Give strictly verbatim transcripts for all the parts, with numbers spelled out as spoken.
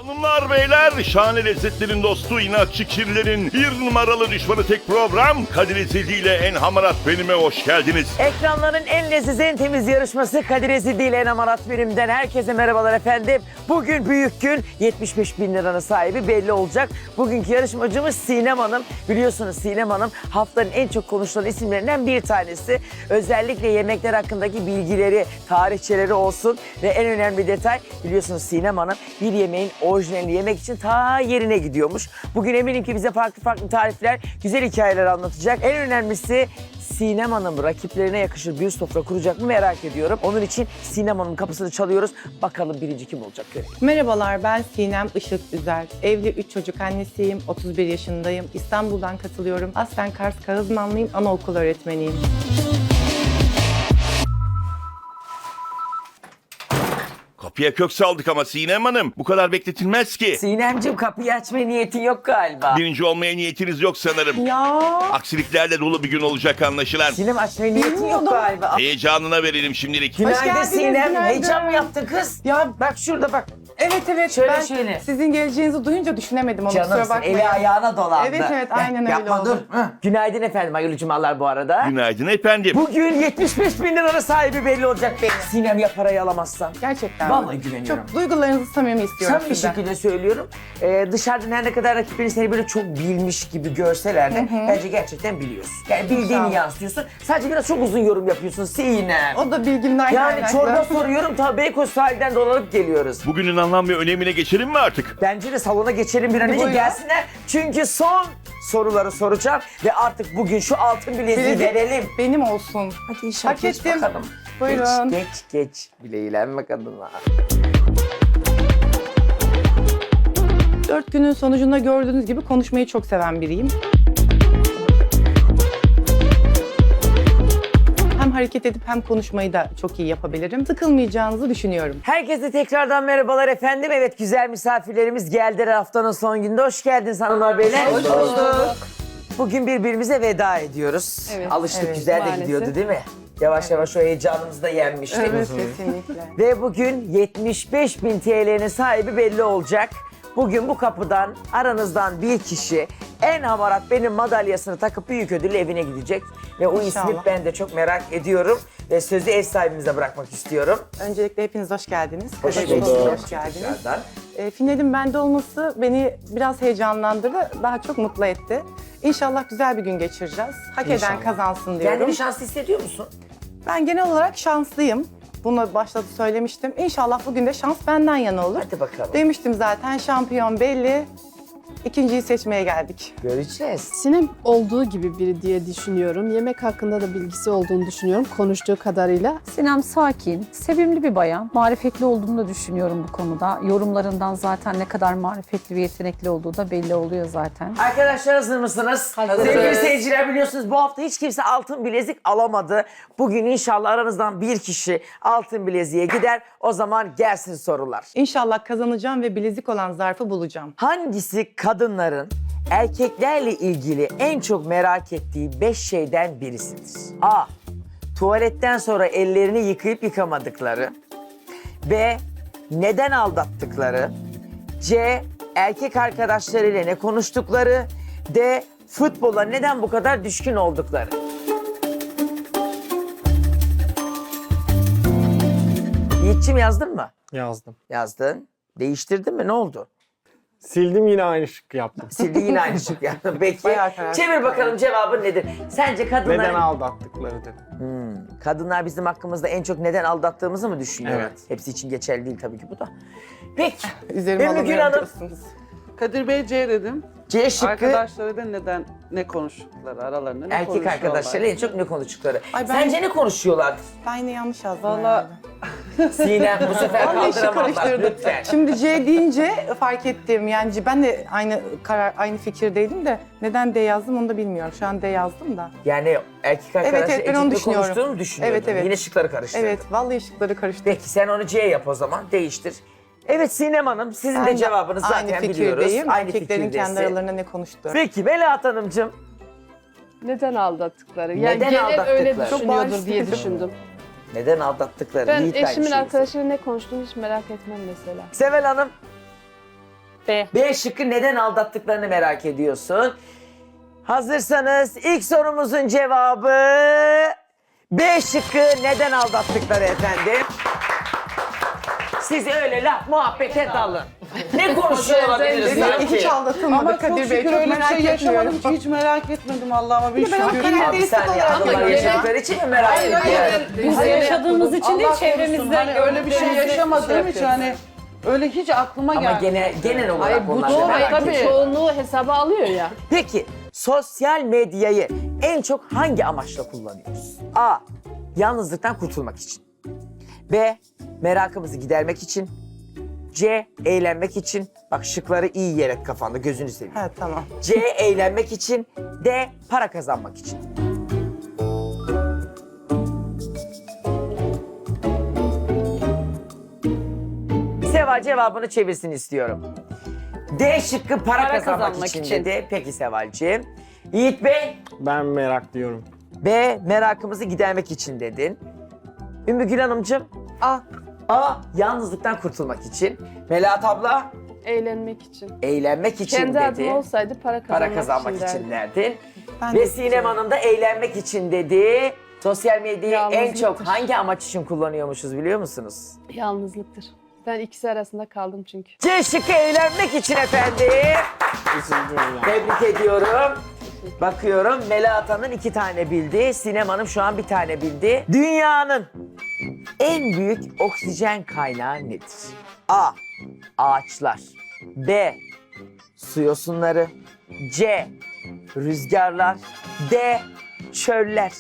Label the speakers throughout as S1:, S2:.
S1: Hanımlar beyler, şahane lezzetlerin dostu, inatçı kirlerin bir numaralı düşmanı tek program Kadir Ezildi ile En Hamarat Benim'e hoş geldiniz.
S2: Ekranların en leziz, en temiz yarışması Kadir Ezildi ile En Hamarat Benim'den herkese merhabalar efendim. Bugün büyük gün, yetmiş beş bin liranın sahibi belli olacak. Bugünkü yarışmacımız Sinem Hanım. Biliyorsunuz Sinem Hanım haftanın en çok konuşulan isimlerinden bir tanesi. Özellikle yemekler hakkındaki bilgileri, tarihçeleri olsun ve en önemli detay, biliyorsunuz Sinem Hanım bir yemeğin orijinalini yemek için ta yerine gidiyormuş. Bugün eminim ki bize farklı farklı tarifler, güzel hikayeler anlatacak. En önemlisi Sinem Hanım rakiplerine yakışır bir sofra kuracak mı merak ediyorum. Onun için Sinem Hanım'ın kapısını çalıyoruz. Bakalım birinci kim olacak görelim.
S3: Merhabalar, ben Sinem Işık Üzer. Evli üç çocuk annesiyim, otuz bir yaşındayım. İstanbul'dan katılıyorum. Aslen Kars Kağızmanlıyım, anaokul öğretmeniyim.
S1: Kapıya kök saldık ama Sinem Hanım, bu kadar bekletilmez ki.
S2: Sinemciğim, kapıyı açmaya niyetin yok galiba.
S1: Birinci olmaya niyetiniz yok sanırım.
S3: Ya
S1: Aksiliklerle dolu bir gün olacak anlaşılan.
S2: Sinem, açmaya niyetin yok
S3: Bilmiyordum.
S2: galiba.
S1: Heyecanına verelim şimdilik.
S2: Günaydın
S3: geldiniz,
S2: Sinem.
S3: günaydın.
S2: Heyecan mı yaptın kız?
S3: Ya
S2: Bak şurada bak.
S3: evet evet,
S2: Şöyle,
S3: ben
S2: şöyle.
S3: sizin geleceğinizi duyunca düşünemedim onu, kusura
S2: Canımsın,
S3: bakmayın.
S2: eli ayağına dolandı.
S3: Evet, evet, aynen öyle
S2: Yapma,
S3: oldu.
S2: dur. Hı. Günaydın efendim, hayırlı cumalar bu arada.
S1: Günaydın efendim.
S2: Bugün yetmiş beş bin liranın sahibi belli olacak benim. Sinem, ya parayı alamazsan?
S3: Gerçekten.
S2: Vallahi güveniyorum.
S3: Çok duygularınızı samimi istiyorum
S2: Sen bir
S3: sizden.
S2: şekilde söylüyorum. Ee, dışarıdan her ne kadar rakiplerin seni böyle çok bilmiş gibi görseler de bence gerçekten biliyorsun. Yani bildiğini
S3: İnşallah.
S2: yansıtıyorsun. Sadece biraz çok uzun yorum yapıyorsun Sinem.
S3: O da bilgimden
S2: Yani
S3: kaynaklı.
S2: çorba soruyorum, ta Beykoz sahilden dolanıp geliyoruz.
S1: Bugünün anlam ve önemine geçelim mi artık?
S2: Bence de salona geçelim, bir an önce
S3: Buyurun.
S2: gelsinler. Çünkü son soruları soracağım ve artık bugün şu altın bileziği
S3: Bilezik
S2: verelim.
S3: benim olsun.
S2: Hadi inşallah,
S3: Hak
S2: geç
S3: ettim.
S2: bakalım.
S3: Buyurun.
S2: Geç, geç, geç. Bileğilenme kadınlar.
S3: Dört günün sonucunda gördüğünüz gibi konuşmayı çok seven biriyim. Hem hareket edip hem konuşmayı da çok iyi yapabilirim. Sıkılmayacağınızı düşünüyorum.
S2: Herkese tekrardan merhabalar efendim. Evet, güzel misafirlerimiz geldiler haftanın son gününde. Hoş geldiniz hanımlar beyler.
S3: Hoş bulduk.
S2: Bugün birbirimize veda ediyoruz.
S4: Evet,
S2: Alıştık,
S3: evet,
S2: güzel de
S4: maalesef.
S2: gidiyordu değil mi? Yavaş yavaş o heyecanımızı da yenmiştik.
S3: Evet, kesinlikle.
S2: Ve bugün yetmiş beş bin T L'nin sahibi belli olacak. Bugün bu kapıdan aranızdan bir kişi En Hamarat Benim madalyasını takıp büyük ödülle evine gidecek. Ve o ismi
S3: İnşallah.
S2: ben de çok merak ediyorum. Ve sözü ev sahibimize bırakmak istiyorum.
S3: Öncelikle hepiniz hoş geldiniz.
S2: Hoş
S3: Kadir
S2: bulduk.
S3: Bey, Hoş geldiniz.
S2: Tekrardan.
S3: E, finalin bende olması beni biraz heyecanlandırdı, daha çok mutlu etti. İnşallah güzel bir gün geçireceğiz. Hak eden
S2: İnşallah.
S3: kazansın diyorum.
S2: Kendini şanslı hissediyor musun?
S3: Ben genel olarak şanslıyım. Bunu başta da söylemiştim. İnşallah bugün de şans benden yana olur.
S2: Hadi bakalım.
S3: Demiştim zaten, şampiyon belli. İkinciyi seçmeye geldik.
S2: Göreceğiz.
S4: Sinem olduğu gibi biri diye düşünüyorum. Yemek hakkında da bilgisi olduğunu düşünüyorum konuştuğu kadarıyla.
S5: Sinem sakin, sevimli bir bayan. Marifetli olduğunu da düşünüyorum bu konuda. Yorumlarından zaten ne kadar marifetli ve yetenekli olduğu da belli oluyor zaten.
S2: Arkadaşlar, hazır mısınız?
S3: Hazırız.
S2: Sevgili seyirciler, biliyorsunuz bu hafta hiç kimse altın bilezik alamadı. Bugün inşallah aranızdan bir kişi altın bileziğe gider. O zaman gelsin sorular.
S3: İnşallah kazanacağım ve bilezik olan zarfı bulacağım.
S2: Hangisi kadınların erkeklerle ilgili en çok merak ettiği beş şeyden birisidir? A. Tuvaletten sonra ellerini yıkayıp yıkamadıkları. B. Neden aldattıkları. C. Erkek arkadaşlarıyla ne konuştukları. D. Futbola neden bu kadar düşkün oldukları. Yiğit'ciğim, yazdın mı?
S6: Yazdım.
S2: Yazdın. Değiştirdin mi? Ne oldu?
S6: Sildim, yine aynı şıkkı yaptım.
S2: Sildi, yine aynı şık yaptın. Peki.
S3: Bayağı karar-
S2: Çevir bakalım, cevabın nedir? Sence kadınlar...
S6: Neden aldattıkları dedim.
S2: Hmm, kadınlar bizim hakkımızda en çok neden aldattığımızı mı düşünüyorlar?
S6: Evet.
S2: Hepsi için geçerli değil tabii ki bu da. Peki.
S3: Üzerime
S2: Ümmü Gül Hanım,
S3: alınıyorsunuz.
S7: Kadir Bey C dedim.
S2: C şıkkı
S7: Arkadaşlarıyla neden ne konuştukları aralarında ne
S2: erkek
S7: konuşuyorlar?
S2: arkadaşlarıyla en çok ne konuştukları.
S3: Ay ben-
S2: Sence ne konuşuyorlar?
S3: Ben yine yanlış yazdım
S7: Vallahi-
S3: herhalde.
S2: Sinem, bu sefer
S3: Vallahi işi
S2: kaldıramazlar
S3: karıştırdım.
S2: lütfen.
S3: Şimdi C deyince fark ettim. Yani ben de aynı karar, aynı fikirdeydim de neden D yazdım onu da bilmiyorum. Şu an D yazdım da.
S2: Yani erkek arkadaşlarla
S3: evet, ben
S2: en çok
S3: onu
S2: ne
S3: düşünüyorum.
S2: konuştuğunu mu düşünüyordun?
S3: Evet, evet.
S2: Yine şıkları karıştırdın.
S3: Evet, vallahi ışıkları karıştı.
S2: Peki sen onu C yap o zaman, değiştir. Evet Sinem Hanım, sizin
S3: Ben
S2: de
S3: de
S2: cevabınızı zaten
S3: aynı
S2: biliyoruz.
S3: fikirdeyim.
S2: Aynı
S3: Erkeklerin kendi
S2: fikirdesin.
S3: aralarında ne konuştuğu.
S2: Peki Melahat Hanımcığım,
S4: Neden aldattıkları? Yani
S2: Neden
S4: genel
S2: aldattıkları?
S4: öyle
S2: Çok
S4: düşünüyordur
S3: bariz
S4: diye
S3: fikir.
S4: düşündüm.
S2: neden aldattıkları?
S4: Ben
S2: Yiğit de aynı
S4: eşimin
S2: şeyi
S4: arkadaşıyla ne konuştuğunu hiç merak etmem mesela.
S2: Sevel Hanım,
S5: B.
S2: B şıkkı neden aldattıklarını merak ediyorsun. Hazırsanız ilk sorumuzun cevabı B şıkkı neden aldattıkları efendim. Siz öyle laf muhabbete dalın. Ne konuşuyor olabiliriz
S3: Hiç
S2: sanki?
S3: aldatılmadı
S7: Ama çok
S3: Kadir Bey.
S7: şükür
S3: Çok
S7: öyle bir
S3: merak
S7: şey yaşamadım
S3: etmiyorum.
S7: ki hiç merak etmedim Allah'ıma bir
S3: Ben o
S7: şükür.
S2: Abi bir
S3: karakteristik
S2: saniye
S3: olarak
S2: bunlar
S3: görüyorum.
S2: yaşadıkları için mi merak
S7: Hayır, hayır,
S2: ediyorsun?
S5: Biz
S7: Hayır,
S5: yaşadığımız için değil,
S7: Allah korusun,
S5: çevremizde
S7: hani öyle bir şey
S5: gördüklerimizle
S7: yaşamadığım
S5: şey
S7: için hani öyle hiç aklıma
S2: Ama
S7: gelmedi.
S2: gene, genel olarak
S4: Hayır bu
S2: onlar
S4: doğru
S2: merak
S4: tabii.
S2: ediyor.
S4: Çoğunluğu hesaba alıyor ya.
S2: Peki sosyal medyayı en çok hangi amaçla kullanıyoruz? A. Yalnızlıktan kurtulmak için. B. Merakımızı gidermek için. C. Eğlenmek için. Bak şıkları iyi yer et kafanda, gözünü seveyim.
S3: Evet tamam.
S2: C. Eğlenmek için. D. Para kazanmak için. Seval cevabını çevirsin istiyorum. D şıkkı para,
S5: Para
S2: kazanmak,
S5: kazanmak
S2: için,
S5: için.
S2: dedi. Peki Sevalciğim. Yiğit Bey,
S6: Ben merak diyorum.
S2: B. Merakımızı gidermek için dedin. Ümmü Gül Hanımcığım,
S3: A.
S2: A. Yalnızlıktan kurtulmak için. Melahat abla,
S4: Eğlenmek için.
S2: eğlenmek için
S4: Kendi
S2: dedi.
S4: adım olsaydı para kazanmak,
S2: Para kazanmak için,
S4: derdim.
S2: derdin.
S3: Ben
S2: Ve
S3: de
S2: Sinem
S3: istiyorum.
S2: Hanım da eğlenmek için dedi. Sosyal medyayı en
S4: Yalnızlıktır.
S2: çok hangi amaç için kullanıyormuşuz biliyor musunuz?
S4: Yalnızlıktır. Ben ikisi arasında kaldım çünkü.
S2: C şıkkı eğlenmek için efendim.
S6: Üzüldüm yani.
S2: Tebrik ediyorum. Bakıyorum Melahat Hanım iki tane bildi. Sinem Hanım şu an bir tane bildi. Dünyanın en büyük oksijen kaynağı nedir? A. Ağaçlar. B. Su yosunları. C. Rüzgarlar. D. Çöller.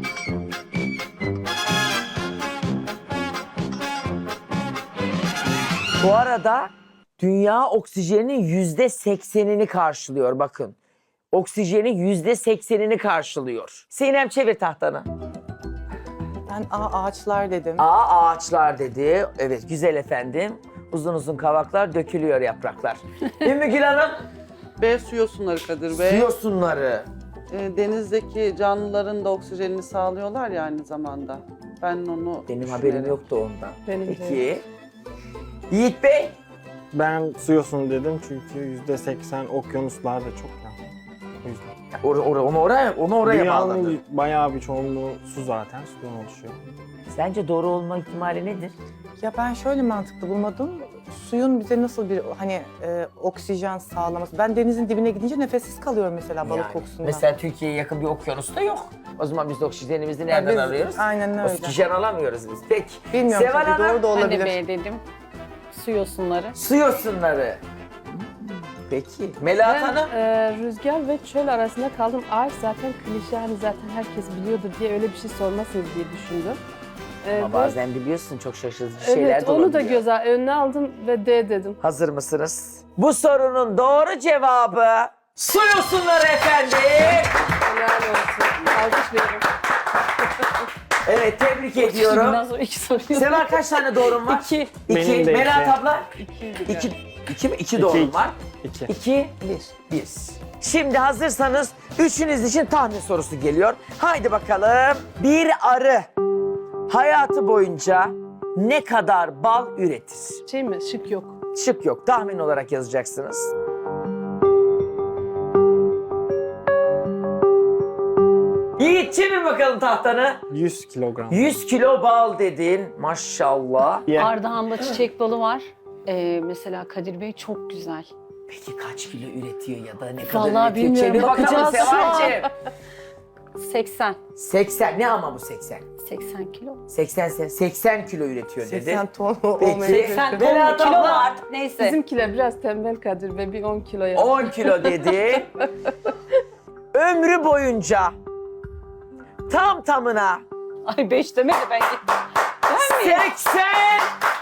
S2: Bu arada dünya oksijenin yüzde seksenini karşılıyor bakın. Oksijenin yüzde seksenini karşılıyor. Sinem çevir tahtanı.
S3: Ben A ağaçlar dedim.
S2: A ağaçlar dedi. Evet güzel efendim. Uzun uzun kavaklar dökülüyor yapraklar. Ümmü Gül Hanım.
S7: B su yosunları Kadir
S2: Su
S7: Bey.
S2: yosunları.
S7: E, denizdeki canlıların da oksijenini sağlıyorlar ya aynı zamanda. Ben onu
S2: Benim
S7: düşünerek-
S2: haberim yoktu ondan.
S4: Benim de
S2: Peki. Yiğit Bey.
S6: Ben su yosunu dedim çünkü yüzde seksen okyanuslar da çok ya. O yüzden.
S2: Or, or, onu oraya, onu oraya bağladı.
S6: Dünyanın bayağı bir çoğunluğu su zaten, sudan oluşuyor.
S2: Sence doğru olma ihtimali nedir?
S3: Ya ben şöyle mantıklı bulmadım. Suyun bize nasıl bir hani e, oksijen sağlaması. Ben denizin dibine gidince nefessiz kalıyorum mesela balık
S2: Yani,
S3: kokusundan.
S2: Mesela Türkiye'ye yakın bir okyanus da yok. O zaman biz de oksijenimizi
S3: Ya
S2: nereden
S3: biz-
S2: alıyoruz?
S3: Aynen öyle.
S2: Oksijen alamıyoruz biz. Peki.
S3: Bilmiyorum
S2: Seval
S3: tabii
S2: Hanım.
S3: doğru da
S5: Ben de
S3: olabilir.
S5: B dedim. Su yosunları.
S2: Su yosunları. Peki. Melahat
S4: Ben
S2: Hanım.
S4: e, rüzgar ve çöl arasında kaldım. Ağaç zaten klişe, hani zaten herkes biliyordur diye öyle bir şey sormasınız diye düşündüm. E,
S2: Ama
S4: ve-
S2: bazen biliyorsun çok şaşırtıcı şeyler
S4: Evet
S2: de
S4: onu da
S2: olabiliyor.
S4: göze önüne aldım ve D dedim.
S2: Hazır mısınız? Bu sorunun doğru cevabı su yosunları efendim.
S4: Helal olsun. Alkış veririm.
S2: Evet tebrik
S5: Bundan
S2: ediyorum.
S5: sonra iki soruyu.
S2: Seval kaç tane doğrum var?
S5: İki.
S2: İki.
S6: Benim de
S2: Melahat
S6: iki.
S2: abla? İki. İki mi? İki doğrum
S6: iki.
S2: var.
S6: İki.
S2: İki. Bir. Bir. Şimdi hazırsanız üçünüz için tahmin sorusu geliyor. Haydi bakalım. Bir arı hayatı boyunca ne kadar bal üretir?
S4: Şey mi? Şık yok.
S2: Şık yok. Tahmin olarak yazacaksınız. Yiğit çevir bakalım tahtanı.
S6: yüz kilogram.
S2: yüz kilo bal dedin. Maşallah.
S6: Ye.
S5: Ardahan'da çiçek balı var. Ee, mesela Kadir Bey çok güzel.
S2: Peki kaç kilo üretiyor ya da ne kadar
S5: Vallahi
S2: üretiyor?
S5: bilmiyorum,
S2: Çevir bakalım
S5: bakacağız şu an.
S2: Sevalciğim.
S5: seksen.
S2: seksen. Ne ama bu seksen?
S5: seksen kilo.
S2: seksen, seksen kilo üretiyor dedi.
S3: seksen ton
S2: Peki.
S3: olmayabilir.
S5: seksen
S2: Melahat
S5: ton kilo
S2: abla.
S5: var. Neyse.
S4: Bizimkiler biraz tembel Kadir Bey, bir on kilo yaptı.
S2: on kilo dedi. Ömrü boyunca tam tamına
S5: Ay beş demedi bence.
S2: seksen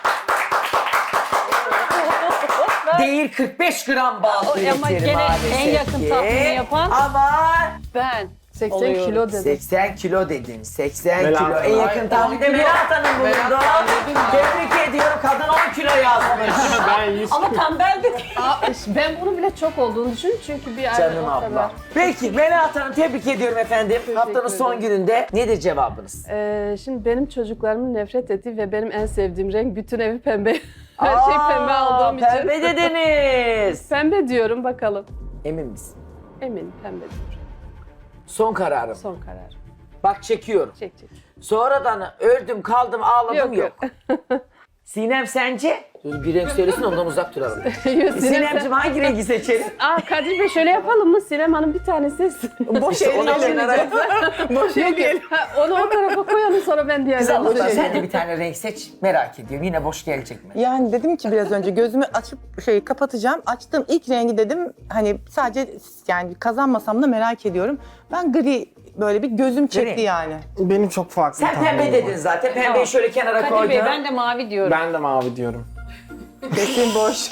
S2: değil kırk beş gram bal
S5: Ama
S2: üretir
S5: gene
S2: maalesef
S5: en yakın
S2: ki.
S5: tahmini yapan-
S2: Ama
S5: Ben.
S4: seksen
S5: oluyoruz.
S4: kilo dedim.
S2: seksen kilo dedin. seksen
S6: Melahat
S2: kilo. En
S6: Hanım.
S2: yakın tahminde Melahat Hanım bulundu. Tebrik ediyorum. Kadın on kilo yazmış.
S6: Ben yüz
S5: Ama tembeldi.
S4: Aa, ben bunu bile çok olduğunu düşündüm çünkü bir ay
S2: Canım
S4: o
S2: abla.
S4: kadar.
S2: Peki Melahat Hanım tebrik ediyorum efendim. Haftanın son
S4: ederim.
S2: gününde nedir cevabınız?
S4: Ee, şimdi benim çocuklarımın nefret ettiği ve benim en sevdiğim renk bütün evi pembe. Her şey pembe
S2: Aa,
S4: olduğum için.
S2: Pembe dediniz.
S4: Pembe diyorum bakalım.
S2: Emin misin?
S4: Eminim pembe diyorum.
S2: Son kararım.
S4: Son karar.
S2: Bak çekiyorum.
S4: Çek çek.
S2: Sonradan öldüm kaldım ağladım yok.
S4: Yok,
S2: Sinem sence? Dur bir renk söylesin ondan uzak duralım.
S4: Sinem,
S2: Sinemciğim hangi rengi seçelim?
S4: Aa Kadir Bey şöyle yapalım mı? Sinem Hanım bir tanesi.
S3: Boş
S2: Ona
S3: eleyelim.
S2: kenara-
S3: Boş eleyelim.
S4: Ha, onu o tarafa koyalım sonra ben
S2: Kız
S4: diğerlerini
S2: Allah'tan
S4: seçeyim.
S2: sen de bir tane renk seç. Merak ediyorum. Yine boş gelecek mi?
S3: Yani dedim ki biraz önce gözümü açıp şey kapatacağım. Açtığım ilk rengi dedim hani sadece yani kazanmasam da merak ediyorum. Ben gri böyle bir gözüm çekti
S2: Gri.
S3: yani.
S6: Benim çok farklı
S2: Sen pembe
S6: tahminim
S2: dedin
S6: var.
S2: zaten. Pembeyi
S5: Tamam.
S2: şöyle kenara
S5: Kadir
S2: koydun.
S5: Bey ben de mavi diyorum.
S6: Ben de mavi diyorum.
S3: Kesin boş.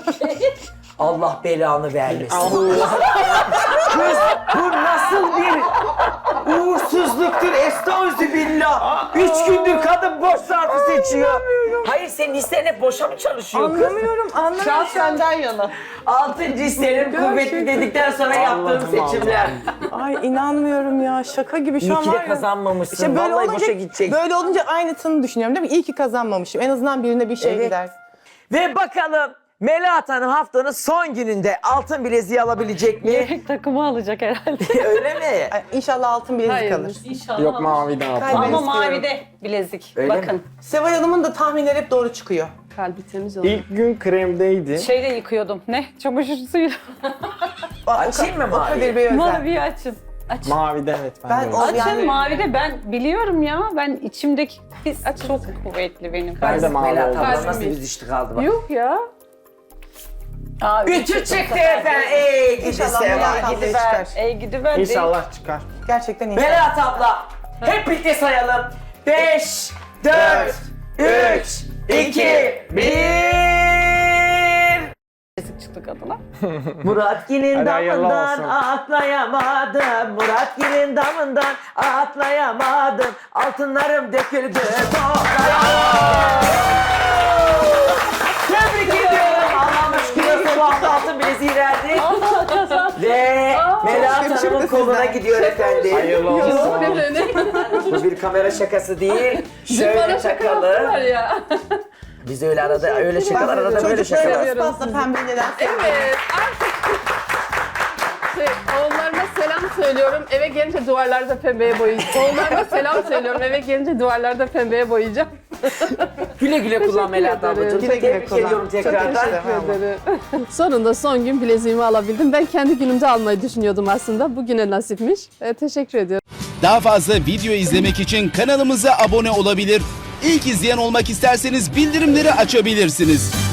S2: Allah belanı vermesin. Kız bu nasıl bir uğursuzluktur estağfirullah. Üç gündür kadın boş zarfı seçiyor. Hayır senin listen hep boşa mı çalışıyor kız?
S3: Anlamıyorum, anlamıyorum.
S7: Şans senden yana.
S2: Altıncı hislerin kuvvetli dedikten sonra yaptığım
S6: Allah'ım
S2: seçimler.
S3: Ay inanmıyorum ya. Şaka gibi şu
S2: İyi
S3: an
S2: ki de
S3: var ya.
S2: kazanmamışsın.
S3: İşte böyle
S2: Vallahi
S3: olunca,
S2: boşa gidecek.
S3: böyle olunca aynısını düşünüyorum değil mi? İyi ki kazanmamışım. En azından birine bir şey
S2: Evet.
S3: gider.
S2: Ve bakalım Melahat Hanım haftanın son gününde altın bileziği alabilecek mi?
S5: Yedek takımı alacak herhalde.
S2: Öyle mi?
S3: Ay, İnşallah altın bilezik
S4: Hayır.
S3: kalır.
S5: İnşallah.
S6: Yok mavi de altın.
S3: Kalbim
S5: Ama
S3: istiyorum.
S5: mavide bilezik.
S2: Öyle
S5: Bakın.
S2: mi?
S3: Seval Hanım'ın da tahminleri hep doğru çıkıyor.
S4: Kalbi temiz oldu.
S6: İlk gün kremdeydi.
S5: Şeyle yıkıyordum. Ne? Çamaşır suyuyla.
S2: Açayım mı
S3: O
S2: mavi?
S3: Kadir Bey özel.
S5: Maviyi açın. Açın.
S6: Mavide evet ben,
S3: Ben
S6: de
S3: o-
S6: öyle.
S5: Açın
S3: Yani-
S5: mavide ben biliyorum ya. Ben içimdeki his çok kuvvetli benim.
S6: Ben de mavi
S2: Melahat
S6: oldum.
S2: abla
S4: Kalbim
S2: nasıl
S4: iyi.
S2: bir düştü kaldı bak.
S4: Yok ya.
S5: Aa,
S2: Ütü çıktı efendim. Ey gidi
S3: İnşallah
S2: Seval.
S3: Melahat abla
S5: gidiver.
S3: çıkar.
S5: Ey gidiver. değil.
S6: İnşallah çıkar.
S3: Gerçekten inşallah.
S2: Melahat abla hep birlikte sayalım. Beş, dört, üç, iki, bir.
S5: Bilezik çıktı kadına.
S2: Muratgil'in
S6: Hadi hayırlı
S2: damından
S6: olsun.
S2: atlayamadım. Muratgil'in damından atlayamadım. Altınlarım döküldü toplayamadım. Tebrik ediyorum. Allah'ım şükür bu hafta altın bileziği verdi. Ve Melahat
S3: Çok
S2: Hanım'ın
S3: şükür
S2: koluna
S3: sizden.
S2: gidiyor efendim.
S6: Hayırlı olsun.
S4: Yok efendim.
S2: Bu bir kamera şakası değil. Şöyle
S4: Bana şaka
S2: takalım.
S4: yaptılar ya.
S2: Biz öyle arada öyle şakalar arada böyle
S3: Çocuklara
S2: şakalar.
S4: Seviyorum
S3: ispatla
S4: sizi.
S3: pembe neler
S4: Evet artık. Şey, oğullarıma selam söylüyorum. Eve gelince duvarlarda pembeye boyayacağım. Oğullarıma selam söylüyorum. Eve gelince duvarlarda pembeye boyayacağım.
S2: Güle güle kullan Melahat
S4: ederim.
S2: ablacığım.
S3: Güle güle
S2: Tebrik
S3: kullan.
S2: ediyorum
S3: Çok
S2: tekrardan.
S3: teşekkür ederim.
S4: Sonunda son gün bileziğimi alabildim. Ben kendi günümde almayı düşünüyordum aslında. Bugüne nasipmiş. E, teşekkür ediyorum.
S8: Daha fazla video izlemek için kanalımıza abone olabilir. İlk izleyen olmak isterseniz bildirimleri açabilirsiniz.